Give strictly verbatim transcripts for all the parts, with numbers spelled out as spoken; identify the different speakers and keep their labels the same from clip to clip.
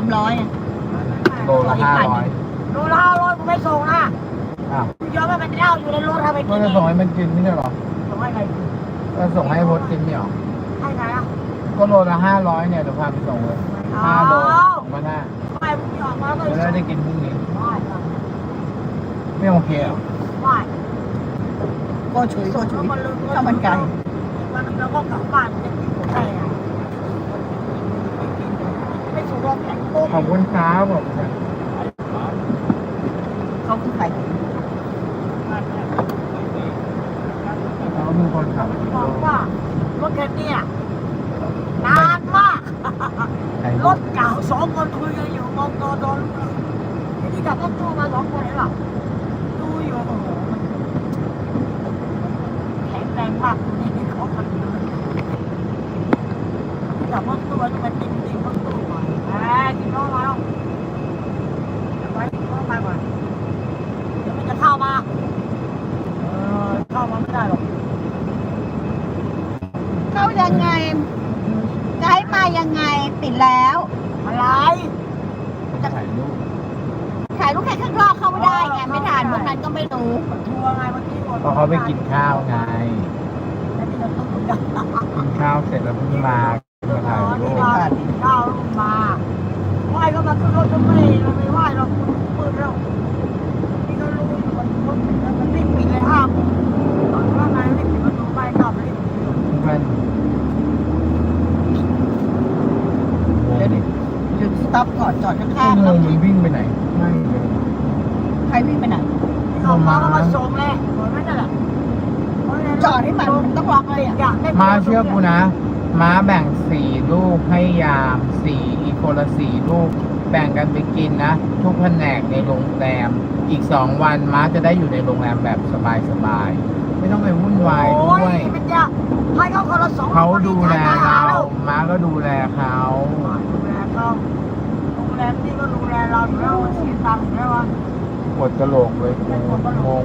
Speaker 1: ามร้อย
Speaker 2: โลละห้าร้อย
Speaker 3: โลละห้าร้อยกูไม่ส่งนะ
Speaker 2: อ้าว
Speaker 3: กูยอมให้มันเล่าอยู่ในรถทำไม
Speaker 2: ก็
Speaker 3: กิน
Speaker 2: จะ
Speaker 3: เอ
Speaker 2: ส่ง
Speaker 3: ง
Speaker 2: ให้มันกินไม่ใช่หรอ
Speaker 3: ส่งให้ใครกิน
Speaker 2: ก็ส่งให้พดกินเนี่ยหรอ
Speaker 3: ให้ใครอ่ะ
Speaker 2: ก็โลละห้าร้อยเนี่ยเดี๋ยวพาไปส่งเลยห้าโลสองพันห้า
Speaker 3: ทำไมมึงออกมาแล้วก็
Speaker 2: จะ
Speaker 3: ส่ง
Speaker 2: ได้กินพรุ่งนี้
Speaker 3: ไม่ไม่
Speaker 2: ไม่โอเคเหรอ
Speaker 3: ไม่
Speaker 1: โกชุยโกชุยข้าวมันไก่
Speaker 3: มันแล้วก็กลับบ้านจะกินหมดได้ไงไม่ส่งรอบแข็งโป๊ก
Speaker 2: ขอบคุณครับผม
Speaker 1: เขาคือใคร
Speaker 2: เขามีคนขับ
Speaker 3: บอกว่ารถคันนี้นานมาก รถเก่าสองคนคุยกันอยู่มองตอตอนทีนี้กับรถตู้มาสองคนเห็นป่ะดูอยู่โอ้โหแข็งแรงมากนี่นี่เขาคนเดียวกับรถตู้จะเป็นติ่งติ่งรถตู้ก่อนแหมกินข้าวมาแล้วไปกินข้าวไปก่อนเดี๋ยวมันจะเข้ามาเออเข้ามาไม่ได้หรอก
Speaker 1: เข้ายังไงจะให้มายังไงติดแล้ว
Speaker 3: อะไร
Speaker 2: จะถ่ายรูป
Speaker 1: ถ่ายรูปแค่ข้างนอกเข้าไม่ได้ไงไม่ถ่ายพวกนั้นก็ไม่รู้
Speaker 3: ทัวร์ไงเมื่อกี้
Speaker 2: เพราะเขาไปกินข้าวไง
Speaker 3: แล้วนี่เราต้องคุยกัน
Speaker 2: กินข้าวเสร็จแล้วเพิ่งมามาถ่ายรู
Speaker 3: ที่
Speaker 2: ป
Speaker 3: เรากินข้าวลงมาไหว้ก็มาขึ้นรถก็ไม่เราไม่ไหว้เราปืนเรานี่ก็รู้อยู่มันรถมันรีบปิดเลยห้ามตอนว่าไงรีบปิดประตูไปกลับรีบ
Speaker 2: เพื่อนเดี๋ยวดิ
Speaker 1: หยุดสต็อปก่อนจอดข้างๆ
Speaker 2: ง
Speaker 1: แล้ว
Speaker 2: งมันวิ่งไปไหนไม่เลย
Speaker 1: ใครวิ่งไปไหน
Speaker 3: เข้ามาก็มาส่งเลยเหมือนนั่นแหละ
Speaker 1: จอดให้มันมันต้องล็อกเลยอ่ะ
Speaker 2: มาเชื่อกูนะ ม้าแบ่งสี่ลูกให้ยามสี่อีกคนละสี่ลูก แบ่งกันไปกินนะ ทุกแผนกในโรงแรม อีกสองวันม้าจะได้อยู่ในโรงแรมแบบสบายๆไม่ต้องไปวุ่นวายด้วย
Speaker 3: มันจะให้เขาคนละสอง
Speaker 2: เขาดูแลเราม้าก็ดูแลเขา
Speaker 3: ดูแลเขาโรงแรมนี่ก็ดูแลเราอยู่แล้วเสียตังค์อยู่แล้ววะ
Speaker 2: ปวดกระโหลกเลยงง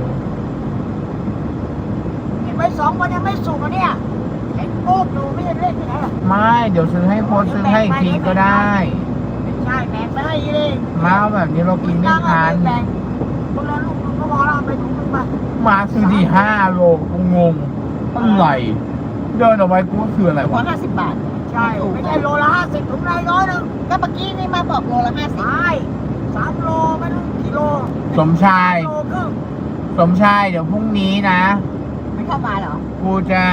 Speaker 3: เก็บไว้สองวันยังไม่สุกอ่ะเนี่ยเห็นโป๊กดูไม่ได้เล่นที่ไหนหรอก
Speaker 2: ไม่เดี๋ยวซื้อให้โพสซื้อให้อีกทีก็ได้
Speaker 3: ไม่ใช่แบ่งไปให้เลย
Speaker 2: ม้าแบบนี้เรากินไม่ทัน
Speaker 3: แบ่งคนละลูกนึงก็พอแล้วเอาไปถุงนึงไป
Speaker 2: ม้าซื้อที่ห้าโลกูงงอะไรเดินออกไปกูคืออะไร
Speaker 1: ร้อ
Speaker 2: วะ
Speaker 1: ยห้าสิบบาท
Speaker 3: ใช่ไม่ใช่โลละห้าสิบถุงละร้อยหนึ่ง
Speaker 1: ก็เมื่อกี้นี่มาบอกโลละห้าสิบ
Speaker 3: ใช่สามโลไม่รู้กี่โล
Speaker 2: สมชาย
Speaker 3: โลครึ่ง
Speaker 2: สมชายเดี๋ยวพรุ่งนี้นะ
Speaker 1: ไม่เข้ามาเหรอ
Speaker 2: กูจะ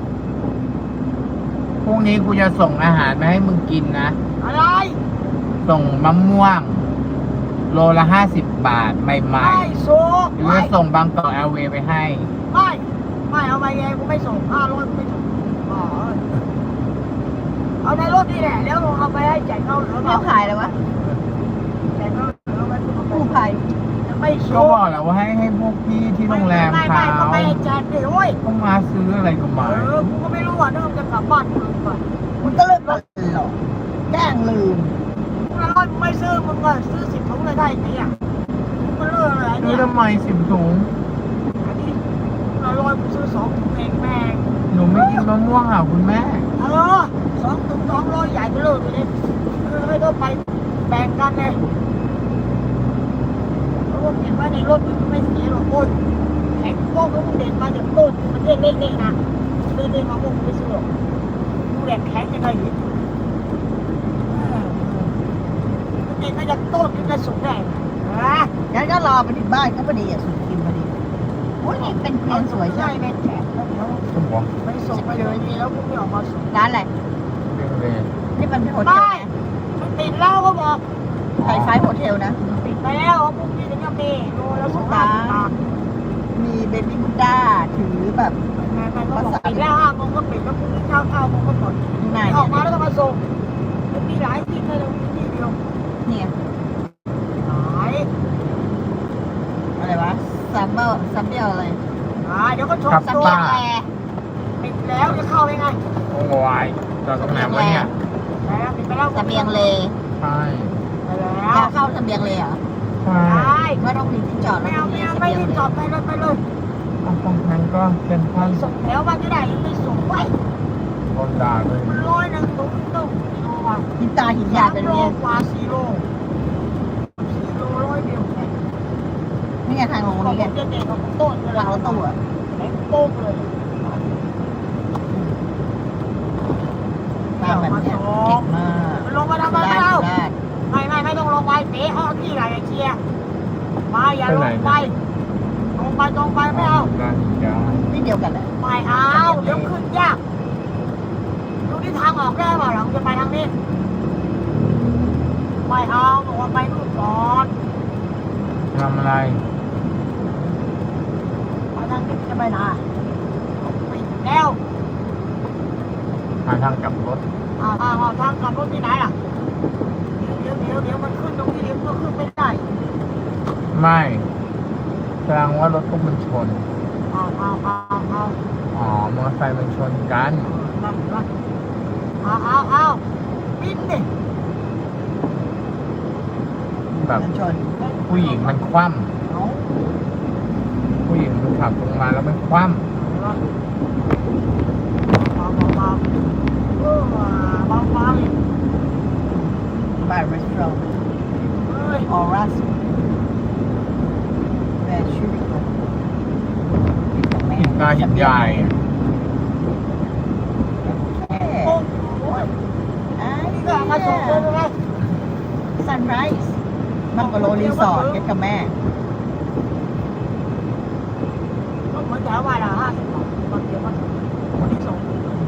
Speaker 2: พรุ่งนี้กูจะส่งอาหารมาให้มึงกินนะ
Speaker 3: อะไร
Speaker 2: ส่งมะม่วง โลละห้าสิบบาทใหม่
Speaker 3: ไม่สุก
Speaker 2: ๆหรือ
Speaker 3: ไม่
Speaker 2: จะส่งบางกอกแอร์เวย์ไปให้
Speaker 3: ไม่ไม่เอาไปไงกูไม่ส่งห้าร้อยกูไม่ส่งอ๋อเอาในรถนี่แหละแล้วเอาไปให้แจกเขาเหลือ
Speaker 1: เขาขายแล้ววะ
Speaker 3: แจกเขาเหลือไว้กูเอาไป
Speaker 1: กู้ภัย
Speaker 3: ไม่
Speaker 2: ก็
Speaker 3: สุก
Speaker 2: บอกแล้วว่าให้ให้พวกพี่ที่โรงแรม
Speaker 3: ไม่
Speaker 2: เขา
Speaker 3: ไม่ไม่ไม่ให้แจกดิโอ้ย
Speaker 2: ต้องมาซื้ออะไรก็
Speaker 3: เอ
Speaker 2: มา
Speaker 3: อกูก็ไม่รู้ว่าเริ่มจะกลับบ้านกูหรือเปล่า
Speaker 1: มันก็เลิกหรอกแกล้งลืม
Speaker 3: มึงละร้อยมึงไม่ซื้อมึงก็ซื้อสิบถุงเลยได้ไงอ่ะมึงก็เลิกอะไร
Speaker 2: ซื้
Speaker 3: เนี่
Speaker 2: อย ทำไมสิบถุง
Speaker 3: อันนี้มึงละร้อยมึงซื้อสองถุงเองแม่ง
Speaker 2: หนูไม่กินมะม่วงอ่ะคุณแม่
Speaker 3: เออสองถุงสองร้อยใหญ่ไปเลยเลยคือไม่ต้องไปแบ่งกันเลยเพราะว่าเห็นว่าในรถมันไม่เสียหรอกโอ้ยแข็งโป๊กแล้วมึงเด็ดมาจากต้นมันเล็กๆนะเล็กๆมาพวกมึงไม่ซื้อหรอกมึงแหลกแข็งยังไงอยู่มันเด็ดมาจากต้นมันจะสุกได้ฮะ
Speaker 1: งั้นก็รอไปถึงบ้านก็พอดีอ่ะสุดกินพอดีโอ้ยนี่เป็นเพียนสวย
Speaker 3: ใช่
Speaker 1: ใช่
Speaker 3: แม่แข็งแล้วเดี๋ยว
Speaker 2: สมอง
Speaker 3: ไปส่งไปเลยดีแล้วพวกนี้ออกมาส่ง
Speaker 1: ร้านอะไร
Speaker 2: เรื่องเลย
Speaker 1: นี่มันเป็นโฮเทล
Speaker 3: ไม่
Speaker 1: นะ
Speaker 3: มันติดแล้วก็บอก
Speaker 1: ไฮไฟโฮเทลนะ
Speaker 3: ติดไปแล้วพวกนี้ถึงจะมีโลละสองพันบาท
Speaker 1: มีเบบี้บุดด้าถือแบบ
Speaker 3: แม่มันก็บอกปิดแล้วห้าโมงก็ปิดแล้วพรุ่งนี้เช้าเก้าโมงก็หมด
Speaker 1: ไหน
Speaker 3: ออกมาแล้วก็มาส่งมันมีหลายที่เลยมีที่เดียว
Speaker 1: เนี่ย
Speaker 3: หลาย
Speaker 1: อะไรวะซัมเบอร์ซัมเบอร์อะไร
Speaker 3: หลายเดี๋ยวก็ชม
Speaker 1: ซัม
Speaker 3: ตัว
Speaker 1: เบอร์แอร์
Speaker 3: ปิดแล้วจะเข้ายังไง
Speaker 2: โอ้ยจอดตรงไหนวะเนี่ย
Speaker 3: แล้วปิดไปแล้ว
Speaker 1: เสบียงเล
Speaker 2: ใช่
Speaker 3: ไปแล้
Speaker 1: อยาว เข้าเสบียงเลเหรอ
Speaker 2: ใช่
Speaker 3: ได้
Speaker 1: ว่าต้องมีที่จอด
Speaker 3: ไม่
Speaker 1: แล้ว
Speaker 3: เอา
Speaker 1: มี
Speaker 3: ไม่เอา
Speaker 1: เส
Speaker 3: ไม่
Speaker 1: บียง
Speaker 3: ได้
Speaker 1: เล
Speaker 3: จอดไปเลยไปเลย
Speaker 2: ตรงนั้นก็เป็นท่าน
Speaker 3: ส่งแล้วมันจะได้ยังไม่ส่งไว้
Speaker 2: คนด่าเลย
Speaker 3: มันร้อยหนึ่งตุ้งตุ้งโลว่ะว่า
Speaker 1: หินตาหินยายเป็น
Speaker 3: โล
Speaker 1: เนี่ย
Speaker 3: กว่าสี่โลสี่โลร้อยเดียว
Speaker 1: นี่ไงทางลง
Speaker 3: เรา
Speaker 1: นี้ไง
Speaker 3: จะเด็กกับต้นเวลา
Speaker 1: เราตัว
Speaker 3: แข็งโป๊กเลย
Speaker 1: ตามแบบเนี้ยเก่งมาก
Speaker 3: ลงมาทำไม
Speaker 1: สุ
Speaker 3: ไม่
Speaker 1: ราษ
Speaker 3: เอา
Speaker 1: ฎร์สุราษฎร์
Speaker 3: ไม่ไม่ไม่ต้องลงไปเตะเอาที่ไหนเชียร์มาอย่าลงไปลงไปตรงไปไม่เอา
Speaker 2: ร้านยา
Speaker 1: นี่เดียวกันแหละ
Speaker 3: ไม่เอาเดี๋ยวขึ้นยากดูที่ทางออกได้เปล่าหลังจะไปทางนี้ไม่เอาบอกว่าไปนู่นก่อน
Speaker 2: ทำอะไร
Speaker 3: ไปทางนี้จะไปไหนปิดแล้ว
Speaker 2: หาทางกลับรถ
Speaker 3: อ่าอ่าอ่าทางกลับรถที่ไหนล่ะเดี๋ยวเดี๋ยวเดี๋ยวมันขึ้นตรงนี้เดี๋ยวก็ขึ้นไม่ได้
Speaker 2: ไม่แสดงว่ารถพวกมันชน
Speaker 3: เอาเอาเอาเอา
Speaker 2: อ๋อ มอเตอร์ไซค์มันชนกัน
Speaker 3: นั่นนั่นเอาเอาเอาบินดิ
Speaker 2: แบบ
Speaker 1: มันชน
Speaker 2: ผู้หญิงมันคว่
Speaker 3: เอา
Speaker 2: ำผู้หญิงมันขับลงมาแล้วมันคว่
Speaker 3: เบาเบาเบาเออเบาเบาอีก
Speaker 1: บาร์รีสอร์ท
Speaker 3: เฮ้ย
Speaker 1: ออรัสแม่ชื่อเขา
Speaker 2: ำหินตาหินใหญ่
Speaker 1: แค่
Speaker 3: โอ้โห
Speaker 1: อ้า
Speaker 3: นี่ก็เอามาส่งเลยไหม
Speaker 1: ซันไรส์บังกะโลรีสอร์ทกันกับแม่
Speaker 3: ก็เหมือนแถววายละห้าสิบบาทบางทีมันคนที่ส่ง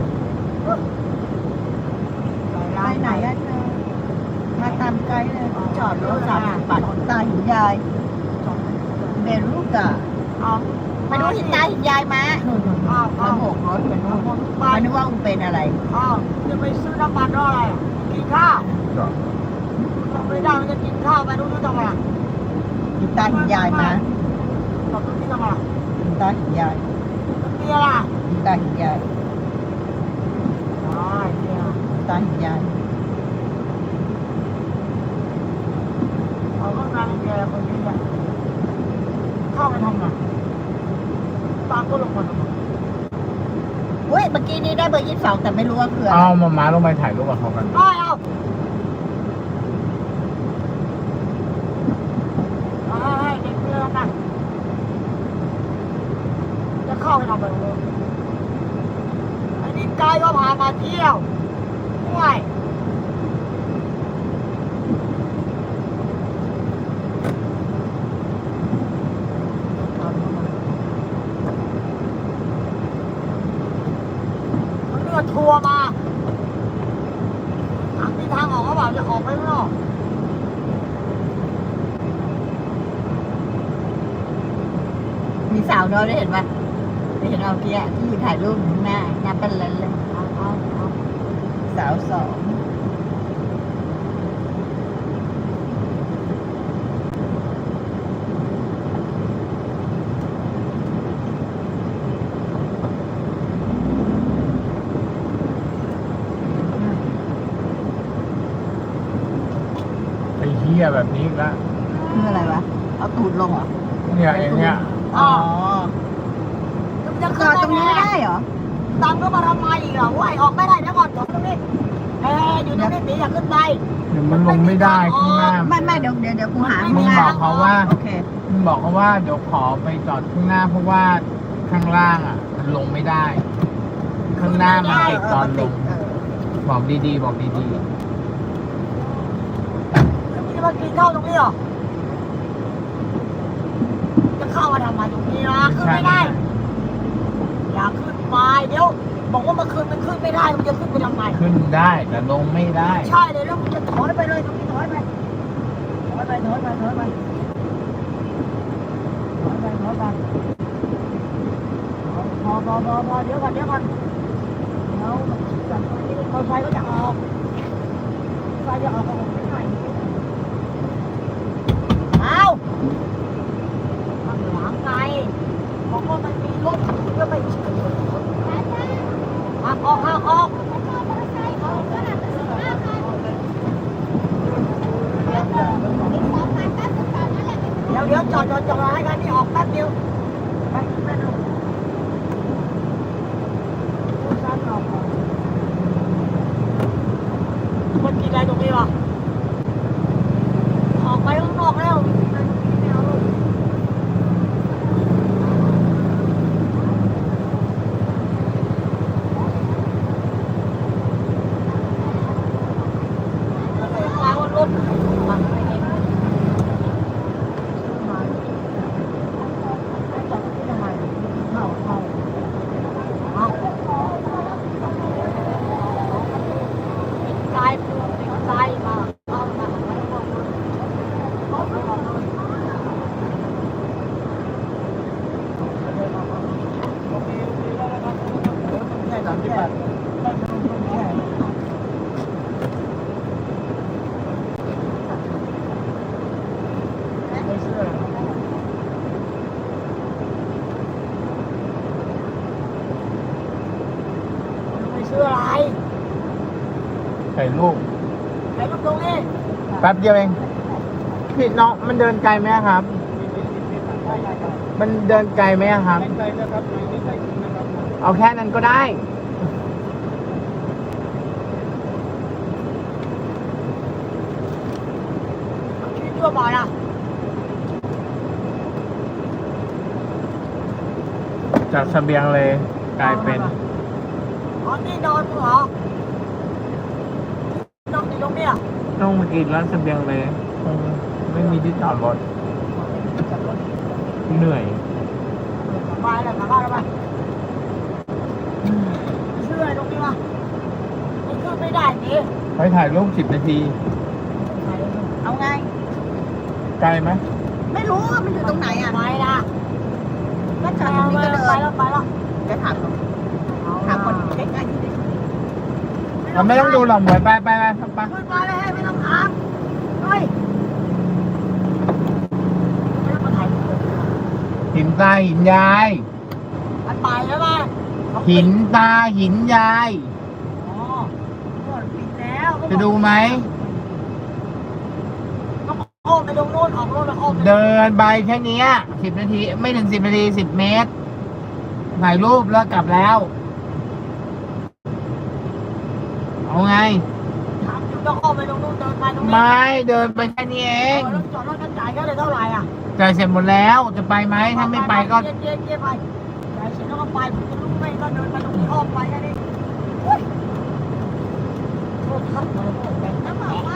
Speaker 1: ไปไหนอะเธอมาตามไกด์เลยจอดรถสามสิบบาทหินตาหินยายเบรูกะ
Speaker 3: เอา
Speaker 1: ไปดูหินตาหินยายมาหนุน
Speaker 3: เอา
Speaker 1: มา
Speaker 3: เอา
Speaker 1: โบกรถเป็นนู่น
Speaker 3: ไป
Speaker 1: มานึกว่ามึงเป็นอะไร
Speaker 3: เอาจะไปซื้อน้ำมันรออะไรกินข้าวไม่ได้มันจะกินข้าวไปดูดูทำไม
Speaker 1: หินตาหินยายมา
Speaker 3: ตอบดูที่ทำไม
Speaker 1: หินตาหินยาย
Speaker 3: มันมีอะไร
Speaker 1: หินตาหินยาย
Speaker 3: อ๋อเนี่ย
Speaker 1: หินตาหินยาย
Speaker 3: เอาก็งานเดียวคนนี้เนี่ยเข้าไปทำไงตามก็ลงมาทำไม
Speaker 1: เฮ้ยเมื่อกี้นี้ได้เบอร์ยี่สิบสองแต่ไม่รู้ว่าคืออะไร
Speaker 2: เอามาม้าลงไปถ่ายรูปกับเขากัน
Speaker 3: ได้เอาเอาให้เด็กเรือกันจะเข้าไปทำอะไรเลยอันนี้ไกด์ก็พามาเที่ยวด้วย มันเลือดทัวร์มาทางที่ทางออกเขาบอกจะออกไปข้างนอก
Speaker 1: มีสาวน้อยได้เห็นปะได้เห็นเอาเกี้ยที่ยืนถ่ายรูปอยู่ข้างหน้าหน้าเป็นเลนเลย
Speaker 3: เอาเอาเอา
Speaker 1: สาวสอง
Speaker 2: ไอ้เหี้ยแบบนี้อีกแล้ว
Speaker 1: คืออะไรวะเอาตูดลงเหรอ
Speaker 2: เนี่ยไอ้เนี่ย
Speaker 1: อ๋อ
Speaker 3: แล้วมันจะ
Speaker 1: จ
Speaker 3: ขึ้
Speaker 1: อน ดตรงนี้ไม่ได้เหรอ
Speaker 3: ตามก็มาทำไมอีกเหรอว่ายออกไม่ได้เดี๋ยวก่อนจอดตรงนี้เอ้ยอยู่ตรงนี้ตีอย่าขึ้นไป
Speaker 2: เดี๋ยวมันลงไม่ได้ข้างหน้า
Speaker 1: ไม่ไม่เดี๋ยวเดี๋ยวเดี๋ยวกูหา
Speaker 2: มึงบอกเขาว่า
Speaker 1: โอเค
Speaker 2: มึงบอกเขาว่าเดี๋ยวขอไปจอดข้างหน้าเพราะว่าข้างล่างอ่ะ มันลงไม่ได้ ข้างหน้ามันติดตอนลง
Speaker 1: เออ
Speaker 2: บอกดีๆ บอกดี
Speaker 3: แล้วมึงจะมากินข้าวตรงนี้เหรอจะเข้ามาทำไมตรงนี้นะ
Speaker 2: ๆ
Speaker 3: ขึ้นไม่ได้ อย่าขึ้นไปเดี๋ยว บอกว่าเมื่อคืนมันขึ้นไม่ได้มันจะขึ้นไปทำไม
Speaker 2: ขึ้นได้แต่ลงไม่ได้
Speaker 3: ใช่เลยแล้วมึงจะถอยไปเลยตรงนี้ถอยไปถอยไปถอยไปถอยไปถอยไปถอยไปพอพอพอพอเดี๋ยวก่อนเดี๋ยวก่อนเดี๋ยวมันคิดก่อนตอนไฟก็จะออกไฟจะออกก็ออกไม่ได้เอาข้างหลังไงบอกว่ามันมีรถก็ไม่เชื่อออกออกออกออก เดี๋ยวเดี๋ยวจอดจอดจอดให้กันนี่ออกแป๊บเดียวไปแป๊บเดียวซ้ำออกเมื่อกี้หรอออกไปข้างนอกแล้วไม่เอาลูกมาว่ารถมันไม่เห็นมาจอดที่ทำไมเข้าเข้าเอาซ้ายซ้ายมาเข้ามาไม่ต้องไม่ต้องเลย
Speaker 1: แค่สามสิบบาทแค่
Speaker 3: ไม่เชื่อไม่เชื่ออะไร
Speaker 2: ใส่ลูก
Speaker 3: ไอ้ลูกตรงนี้
Speaker 2: แป๊บเดียวเองพี่น้องมันเดินไกลไหมครับ มันเดินไกลไหมครับ เอาแค่นั้นก็ได้
Speaker 3: ชีวิตตัวบ่อยอ่ะ
Speaker 2: จากเสบียงเลยกลายเป็น
Speaker 3: อ๋อนี่นอนมึงเหรอ นอนอยู่ตรงเนี้ย
Speaker 2: ต้องมากินร้านเสบียงเลยคงไม่มีที่จอดรถเหนื่อย
Speaker 3: สบายเลยกลับบ้านแล้วไปเชื่อตรงนี้วะมันขึ้นไม่ได้ดิ
Speaker 2: ไปถ่ายรูปสิบนาที
Speaker 1: เอาไง
Speaker 2: ไกลไหม
Speaker 1: ไม่รู้ว่ามันอยู่ตรงไหนอ่ะ
Speaker 3: ไปนะ
Speaker 1: ก็จอดตรงนี้ก็เดิ
Speaker 3: ไป
Speaker 1: น
Speaker 3: แล้วไปแล้ว
Speaker 1: เดี๋ยวถามถามคนใกล้ๆที่ได้
Speaker 2: เราไม่ต้องดูหรอกหมวยไปไปไปไป
Speaker 3: ขึ้นมาเลยไม่ต้องถามเฮ้ยไม่ต้องมาถ่ายรูปเลย
Speaker 2: หินตาหินยาย
Speaker 3: มันไปแล้วป่ะ
Speaker 2: หินตาหินยาย
Speaker 3: อ๋อหมดปิดแล้ว
Speaker 2: จะดูไหม
Speaker 3: ต้องอ้อมไปตรงโน้นออกโน้นแล้วอ้อมไป
Speaker 2: เดินไปแค่เนี้สิบนาที ไม่ถึงสิบนาทีสิบเมตร ถ่ายรูปแล้วกลับแล้ว เอาไง
Speaker 3: ถามอยู่ต้องอ้อมไปตรงโน้นเดินไปตรงนี้
Speaker 2: ไม่เดินไปแค่นี้เอ
Speaker 3: เอง อแล้วจอดรถกันจ่ายก็เลยเท่าไหร่อ่ะ
Speaker 2: จ่ายเสร็จหมดแล้วจะไปไหมถ้าไม่ไปก็
Speaker 3: เจ๊เจ๊เจ๊ไปจ่ายเสร็จแล้วก็ไปผมจะรู้ไหมก็เดินไปตรงนี้อ้อมไปแค่นี้เฮ้ยโทษครับเลยโทษแบงค์
Speaker 1: แล้วบอกว่า